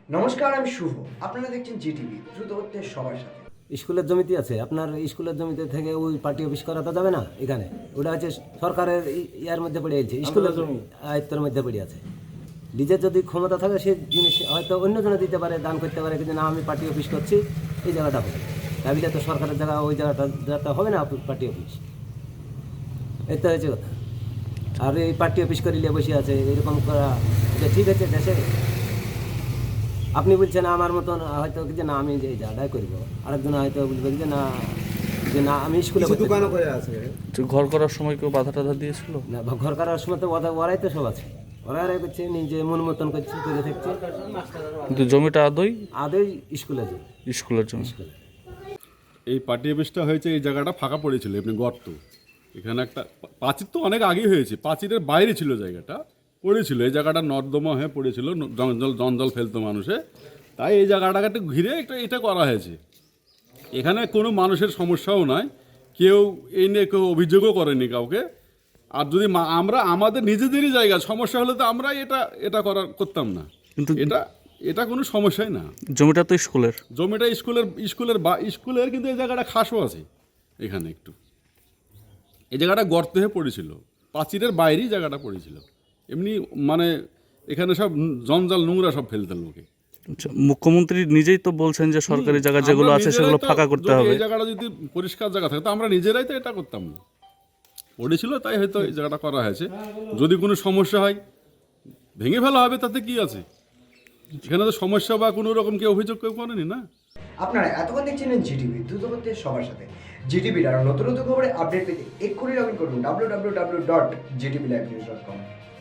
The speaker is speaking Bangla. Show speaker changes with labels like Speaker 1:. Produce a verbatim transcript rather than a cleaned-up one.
Speaker 1: নমস্কার, আমি শুভ। আপনারা দেখছেন জিটিভি, দ্রুত হচ্ছে সবার সাথে।
Speaker 2: স্কুলের জমিতে আছে আপনার, স্কুলের জমিতে থেকে ওই পার্টি অফিস করা তো যাবে না। এখানে ওটা হচ্ছে সরকারের ই- ইয়ার মধ্যে পড়ে আছে, স্কুলের আয়ত্তের মধ্যে পড়ে আছে। নিজের যদি ক্ষমতা থাকে সে জিনিস হয়তো অন্যজনে দিতে পারে, দান করতে পারে, কিন্তু না আমি পার্টি অফিস করছি এই জায়গাটা হবে। দাবিটা তো সরকারের জায়গা, ওই জায়গাটা জায়গাটা হবে না পার্টি অফিস। এই তো হয়েছে কথা। আর এই পার্টি অফিস করিলে বসে আছে এরকম করা, এটা ঠিক আছে দেশে? আপনি বলছেন আমার মতন হয়তো যে না আমি যে জায়গাটাই করবো, আরেকজন হয়তো বলবেন যে না যে না আমি স্কুলে
Speaker 3: দোকানও করে আছে।
Speaker 4: যে ঘর করার সময় কেউ বাধা টাধা দিয়েছিল?
Speaker 2: না, বা ঘর করার সময় তো ওরা- ওরাই তো সব আছে, ওরাই করছে নিজে মন মতন করছে করে থাকছে।
Speaker 4: কিন্তু জমিটা আদৌ
Speaker 2: আদৌ স্কুলে যে
Speaker 4: স্কুলের জমি।
Speaker 2: স্কুলে
Speaker 5: এই পার্টি অফিসটা হয়েছে, এই জায়গাটা ফাঁকা পড়েছিল এমনি গর্ত। এখানে একটা পা- প্রাচীর তো অনেক আগেই হয়েছে, প্রাচীরের বাইরে ছিল জায়গাটা, পড়েছিল এই জায়গাটা নর্দমা হয়ে পড়েছিল, ন- জঞ্জল জঞ্জল ফেলতো মানুষে, তাই এই জায়গাটাকে একটু ঘিরে একটা এটা করা হয়েছে। এখানে কোনো মানুষের সমস্যাও নয়, কেউ এই নিয়ে কেউ অভিযোগও করেনি কাউকে। আর যদি মা- আমরা আমাদের নিজেদেরই জায়গা, সমস্যা হলে তো আমরা এটা এটা করার করতাম না।
Speaker 4: কিন্তু
Speaker 5: এটা এটা কোনো সমস্যাই না।
Speaker 4: জমিটা তো স্কুলের।
Speaker 5: জমিটা স্কুলের স্কুলের বা স্কুলের কিন্তু এই জায়গাটা খাসও আছে এখানে একটু। এই জায়গাটা গর্ত হয়ে পড়েছিল, প্রাচীরের বাইরেই জায়গাটা পড়েছিল। এমনি মানে এখানে সব জঞ্জাল নোংরা সব ফেলতে লোকে।
Speaker 4: আচ্ছা, মুখ্যমন্ত্রী নিজেই তো বলছেন যে সরকারি জায়গা যেগুলো
Speaker 5: আমরা
Speaker 4: আছে
Speaker 5: নিজেরাই
Speaker 4: সেগুলো
Speaker 5: তো-
Speaker 4: ফাঁকা করতে
Speaker 5: যদি
Speaker 4: হবে।
Speaker 5: এই জায়গাটা যদি পরিষ্কার জায়গা থাকে তো আমরা নিজেরাই তো এটা করতাম না, পড়েছিল তাই হয়তো এই জায়গাটা করা হয়েছে। যদি কোনো সমস্যা হয় ভেঙে ফেলা হবে, তাতে কি আছে? এখানে তো সমস্যা বা কোনো রকম কেউ অভিযোগ কেউ করেনি না।
Speaker 1: আপনারা এতক্ষণ দেখছিলেন জিটিভি, দ্রুত হচ্ছে সবার সাথে। জিটিভির আরও নতুন নতুন খবরে আপডেট পেতে এক্ষুনি লগ ইন করুন W W W dot GTV live news dot কম।